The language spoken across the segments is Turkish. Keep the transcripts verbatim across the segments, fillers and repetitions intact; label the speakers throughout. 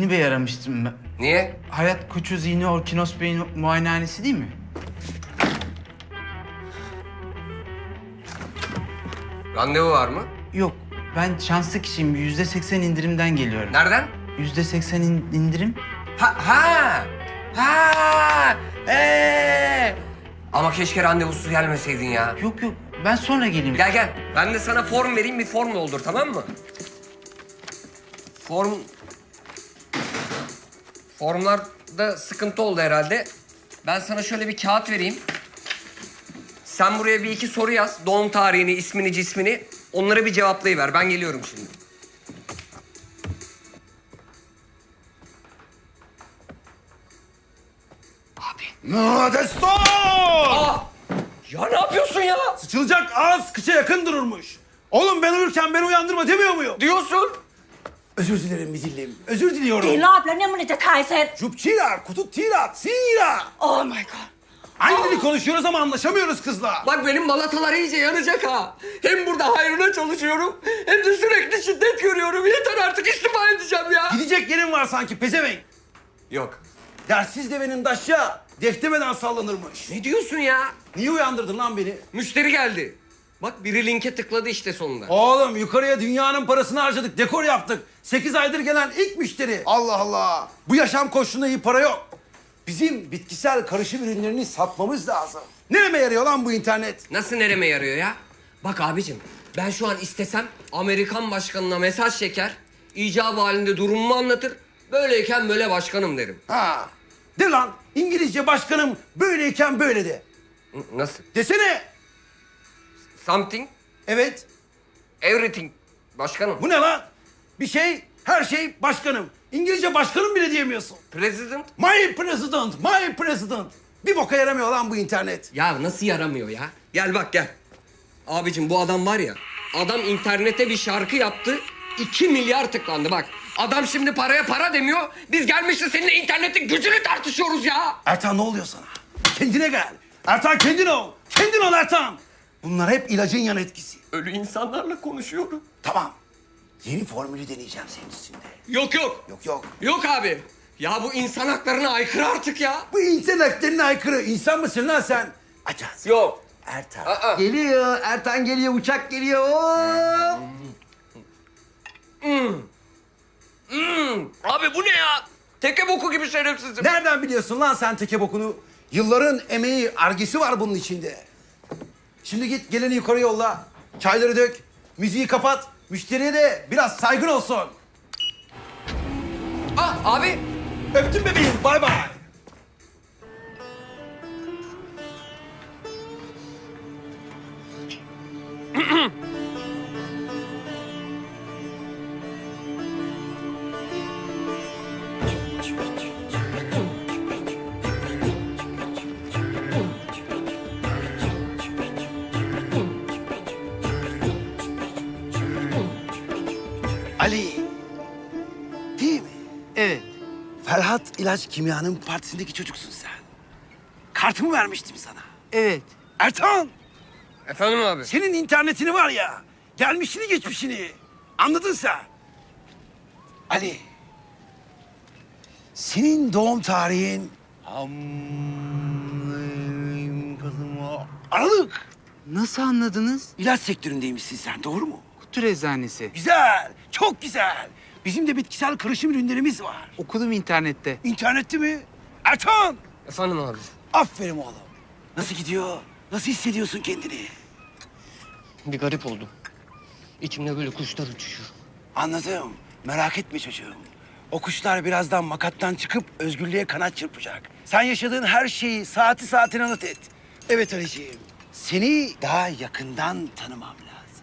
Speaker 1: Hilmi Bey aramıştım ben.
Speaker 2: Niye?
Speaker 1: Hayat Koçu Zihni Orkinos Bey'in muayenehanesi değil mi?
Speaker 2: Randevu var mı?
Speaker 1: Yok, ben şanslı kişiyim. Yüzde seksen indirimden geliyorum.
Speaker 2: Nereden?
Speaker 1: Yüzde seksen in- indirim.
Speaker 2: Ha ha ha. Ee. Ama keşke randevusuz gelmeseydin ya.
Speaker 1: Yok yok, ben sonra geleyim.
Speaker 2: Gel gel. Ben de sana form vereyim, bir form doldur, tamam mı? Form... Formlarda sıkıntı oldu herhalde. Ben sana şöyle bir kağıt vereyim. Sen buraya bir iki soru yaz. Doğum tarihini, ismini, cismini. Onları bir cevaplayıver. Ben geliyorum şimdi.
Speaker 3: Modesto!
Speaker 2: Aa! Ya ne yapıyorsun ya?
Speaker 3: Sıçılacak ağız kıça yakın dururmuş. Oğlum ben uyurken beni uyandırma demiyor muyum?
Speaker 2: Diyorsun.
Speaker 3: Özür dilerim Midillim. Özür diliyorum.
Speaker 4: กี่รอบแล้วเนี่ยมันจะถ่ายเสร็จ
Speaker 3: Jupçira, kututira, sira.
Speaker 4: Oh my god.
Speaker 3: Aynı dili konuşuyoruz ama anlaşamıyoruz kızla.
Speaker 2: Bak benim balatalar iyice yanacak ha. Hem burada hayrına çalışıyorum hem de sürekli şiddet görüyorum. Yeter artık, istifa edeceğim ya.
Speaker 3: Gidecek yerin var sanki pezevenk.
Speaker 2: Yok.
Speaker 3: Dersiz devenin daşya deftemeden sallanırmış.
Speaker 2: Ne diyorsun ya?
Speaker 3: Niye uyandırdın lan beni?
Speaker 2: Müşteri geldi. Bak biri linke tıkladı işte sonunda.
Speaker 3: Oğlum yukarıya dünyanın parasını harcadık, dekor yaptık. Sekiz aydır gelen ilk müşteri. Allah Allah. Bu yaşam koşulunda iyi para yok. Bizim bitkisel karışım ürünlerini satmamız lazım. Nereme yarıyor lan bu internet?
Speaker 2: Nasıl nereme yarıyor ya? Bak abicim, ben şu an istesem Amerikan başkanına mesaj çeker, icabı halinde durumumu anlatır, böyleyken böyle başkanım derim.
Speaker 3: Ha. De lan İngilizce başkanım böyleyken böyle de.
Speaker 2: N- Nasıl?
Speaker 3: Desene.
Speaker 2: Something,
Speaker 3: Evet.
Speaker 2: everything başkanım.
Speaker 3: Bu ne lan? Bir şey, her şey başkanım. İngilizce başkanım bile diyemiyorsun.
Speaker 2: President?
Speaker 3: My president, my president. Bir boka yaramıyor lan bu internet.
Speaker 2: Ya nasıl yaramıyor ya? Gel bak gel. Abicim bu adam var ya, adam internete bir şarkı yaptı, iki milyar tıklandı bak. Adam şimdi paraya para demiyor, biz gelmişiz seninle internetin gücünü tartışıyoruz ya.
Speaker 3: Ertan ne oluyor sana? Kendine gel. Ertan kendin ol. Kendin ol Ertan. Bunlar hep ilacın yan etkisi.
Speaker 2: Ölü insanlarla konuşuyorum.
Speaker 3: Tamam. Yeni formülü deneyeceğim senin üstünde.
Speaker 2: Yok yok.
Speaker 3: Yok yok.
Speaker 2: Yok abi. Ya bu insan haklarına aykırı artık ya.
Speaker 3: Bu insan haklarına aykırı. İnsan mısın lan sen? Aç ağzını.
Speaker 2: Yok.
Speaker 3: Ertan.
Speaker 2: Aa.
Speaker 3: Geliyor. Ertan geliyor. Uçak geliyor. Hop.
Speaker 2: Hmm. Abi bu ne ya? Teke boku gibi şerefsizim.
Speaker 3: Nereden biliyorsun lan sen teke bokunu? Yılların emeği, argesi var bunun içinde. Şimdi git geleni yukarı yolla. Çayları dök. Müziği kapat. Müşteriye de biraz saygın olsun.
Speaker 2: Ah abi.
Speaker 3: Öptüm bebeğim. Bay bay. Ali. Değil mi?
Speaker 1: Evet.
Speaker 3: Ferhat İlaç Kimya'nın partisindeki çocuksun sen. Kartımı vermiştim sana.
Speaker 1: Evet.
Speaker 3: Ertan,
Speaker 2: Efendim abi.
Speaker 3: senin internetini var ya, gelmişini geçmişini. Anladın sen. Ali, senin doğum tarihin... Aralık.
Speaker 1: Nasıl anladınız?
Speaker 3: İlaç sektöründeymişsin sen, doğru mu?
Speaker 1: Kutu eczanesi.
Speaker 3: Güzel, çok güzel. Bizim de bitkisel karışım ürünlerimiz var.
Speaker 1: Okudum internette.
Speaker 3: İnternette mi? Ertan,
Speaker 2: Efendim abi.
Speaker 3: aferin oğlum. Nasıl gidiyor? Nasıl hissediyorsun kendini?
Speaker 2: Bir garip oldum. İçimde böyle kuşlar uçuşuyor.
Speaker 3: Anladım. Merak etme çocuğum. O kuşlar birazdan makattan çıkıp özgürlüğe kanat çırpacak. Sen yaşadığın her şeyi saati saatine not et. Evet Ali'ciğim. Seni daha yakından tanımam lazım.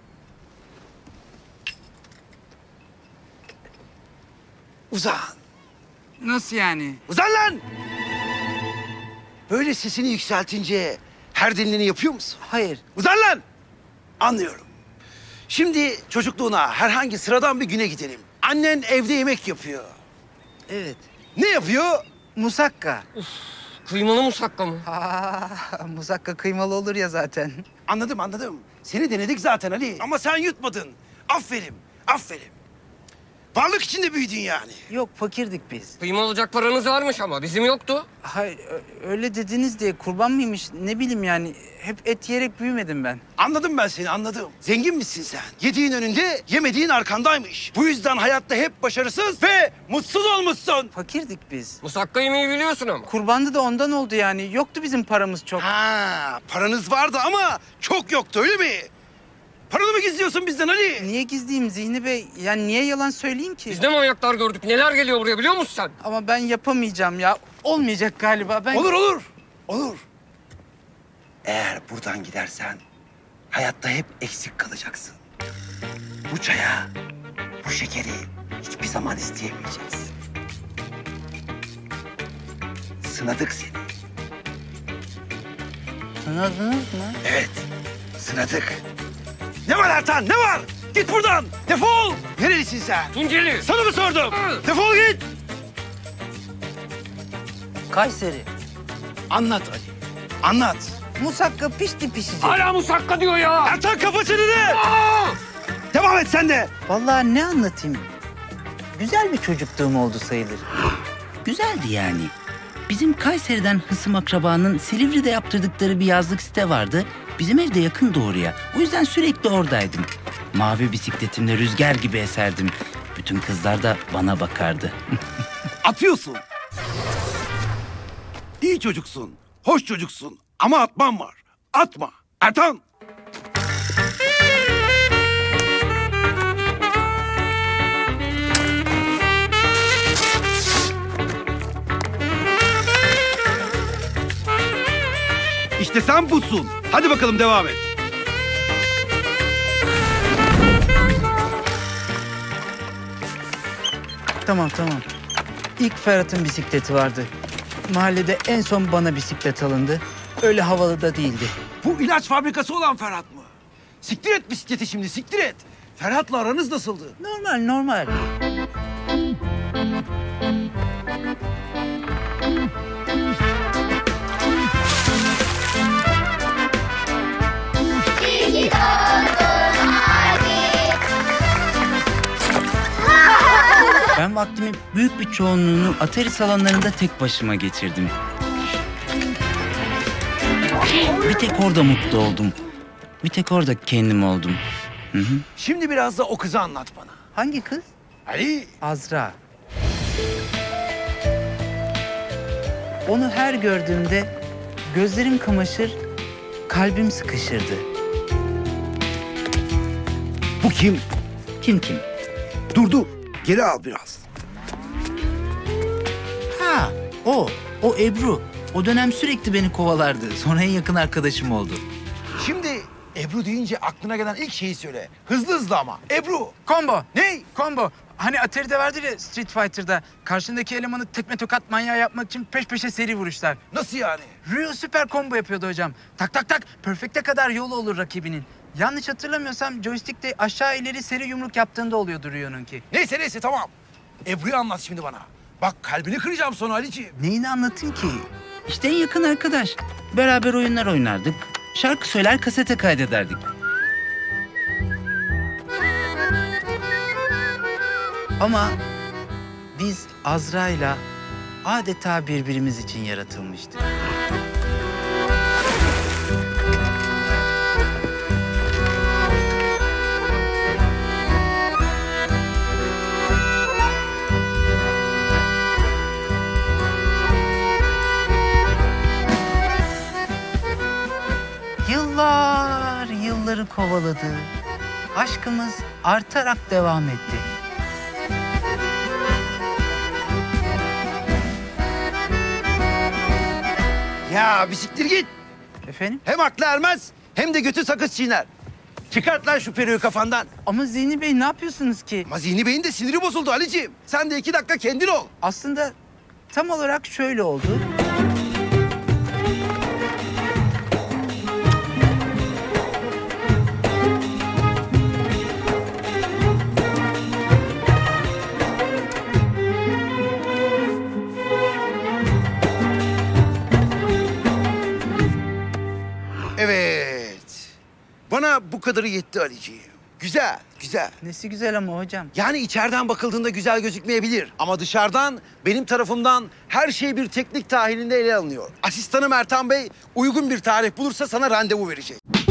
Speaker 3: Uzan.
Speaker 1: Nasıl yani?
Speaker 3: Uzan lan! Böyle sesini yükseltince her denileni yapıyor musun?
Speaker 1: Hayır.
Speaker 3: Uzan lan! Anlıyorum. Şimdi çocukluğuna herhangi sıradan bir güne gidelim. Annen evde yemek yapıyor.
Speaker 1: Evet.
Speaker 3: Ne yapıyor?
Speaker 1: Musakka.
Speaker 2: Kıymalı musakka mı?
Speaker 1: Aa, musakka kıymalı olur ya zaten.
Speaker 3: Anladım anladım. Seni denedik zaten Ali. Ama sen yutmadın. Aferin, aferin. Varlık içinde büyüdün yani.
Speaker 1: Yok fakirdik biz.
Speaker 2: Kıyma olacak paranız varmış ama bizim yoktu.
Speaker 1: Hayır ö- öyle dediniz diye kurban mıymış ne bileyim yani. Hep et yiyerek büyümedim ben.
Speaker 3: Anladım ben seni, anladım. Zengin misin sen? Yediğin önünde, yemediğin arkandaymış. Bu yüzden hayatta hep başarısız ve mutsuz olmuşsun.
Speaker 1: Fakirdik biz.
Speaker 2: Musakka yemeği biliyorsun ama.
Speaker 1: Kurbandı da ondan oldu yani. Yoktu bizim paramız çok.
Speaker 3: Ha, paranız vardı ama çok yoktu, öyle mi? Paranı mı gizliyorsun bizden Ali?
Speaker 1: Niye gizleyeyim Zihni Bey? Yani niye yalan söyleyeyim ki?
Speaker 2: Biz ne manyaklar gördük. Neler geliyor buraya biliyor musun sen?
Speaker 1: Ama ben yapamayacağım ya. Olmayacak galiba. Ben
Speaker 3: Olur, olur, olur. Eğer buradan gidersen hayatta hep eksik kalacaksın. Bu çaya, bu şekeri hiçbir zaman isteyemeyeceksin. Sınadık seni.
Speaker 1: Sınadınız mı?
Speaker 3: Evet, sınadık. Ne var Ertan, ne var? Git buradan, defol! Nerelisin sen?
Speaker 2: Tunceli.
Speaker 3: Sana mı sordum?
Speaker 2: Hı.
Speaker 3: Defol git!
Speaker 1: Kayseri.
Speaker 3: Anlat Ali, anlat.
Speaker 1: Musakka pişti pişecek.
Speaker 2: Hala musakka diyor ya.
Speaker 3: Ertan kapa çeneni!
Speaker 2: Aa!
Speaker 3: Devam et sen de.
Speaker 1: Vallahi ne anlatayım? Güzel bir çocukluğum oldu sayılır.
Speaker 5: Güzeldi yani. Bizim Kayseri'den hısım akrabanın Silivri'de yaptırdıkları bir yazlık site vardı. Bizim evde yakın doğruya. O yüzden sürekli oradaydım. Mavi bisikletimle rüzgar gibi eserdim. Bütün kızlar da bana bakardı.
Speaker 3: Atıyorsun. İyi çocuksun, hoş çocuksun ama atman var. Atma. Ertan! İşte sen busun. Hadi bakalım devam et.
Speaker 1: Tamam tamam. İlk Ferhat'ın bisikleti vardı. Mahallede en son bana bisiklet alındı. Öyle havalı da değildi.
Speaker 3: Bu ilaç fabrikası olan Ferhat mı? Siktir et bisikleti şimdi, siktir et. Ferhat'la aranız nasıldı?
Speaker 1: Normal normal.
Speaker 5: Ben vaktimin büyük bir çoğunluğunu Atari salonlarında tek başıma geçirdim. Bir tek orada mutlu oldum. Bir tek orada kendim oldum. Hı hı.
Speaker 3: Şimdi biraz da o kızı anlat bana.
Speaker 1: Hangi kız?
Speaker 3: Ali,
Speaker 1: Azra. Onu her gördüğümde gözlerim kamaşır, kalbim sıkışırdı.
Speaker 3: bu kim?
Speaker 5: Kim kim?
Speaker 3: Dur dur, geri al biraz.
Speaker 5: Ha, o. O Ebru. O dönem sürekli beni kovalardı. Sonra en yakın arkadaşım oldu.
Speaker 3: Şimdi Ebru deyince aklına gelen ilk şeyi söyle. Hızlı hızlı ama. Ebru.
Speaker 1: Combo.
Speaker 3: Ney?
Speaker 1: Combo. Hani Atari'de vardır ya Street Fighter'da. Karşındaki elemanı tekme tokat manyağı yapmak için peş peşe seri vuruşlar.
Speaker 3: Nasıl yani?
Speaker 1: Ryu süper combo yapıyordu hocam. Tak tak tak. Perfect'e kadar yolu olur rakibinin. Yanlış hatırlamıyorsam joystick'te aşağı ileri seri yumruk yaptığında oluyordu Ryu'nunki.
Speaker 3: Neyse neyse tamam. Ebru'yu anlat şimdi bana. Bak kalbini kıracağım sonra Ali'ciğim.
Speaker 1: Neyini anlatayım ki?
Speaker 5: İşte en yakın arkadaş. Beraber oyunlar oynardık. Şarkı söyler, kasete kaydederdik.
Speaker 1: Ama biz Azra'yla adeta birbirimiz için yaratılmıştık. Yıllar yılları kovaladı. Aşkımız artarak devam etti.
Speaker 3: Ya bir siktir git.
Speaker 1: Efendim?
Speaker 3: Hem aklı ermez hem de götü sakız çiğner. Çıkart lan şu peruğu kafandan.
Speaker 1: Ama Zihni Bey ne yapıyorsunuz ki?
Speaker 3: Ama Zihni Bey'in de siniri bozuldu Ali'ciğim. Sen de iki dakika kendin ol.
Speaker 1: Aslında tam olarak şöyle oldu.
Speaker 3: Evet. Bana bu kadarı yetti Ali'ciğim. Güzel, güzel.
Speaker 1: Nesi güzel ama hocam.
Speaker 3: Yani içeriden bakıldığında güzel gözükmeyebilir. Ama dışarıdan, benim tarafımdan her şey bir teknik dahilinde ele alınıyor. Asistanım Ertan Bey uygun bir tarih bulursa sana randevu verecek.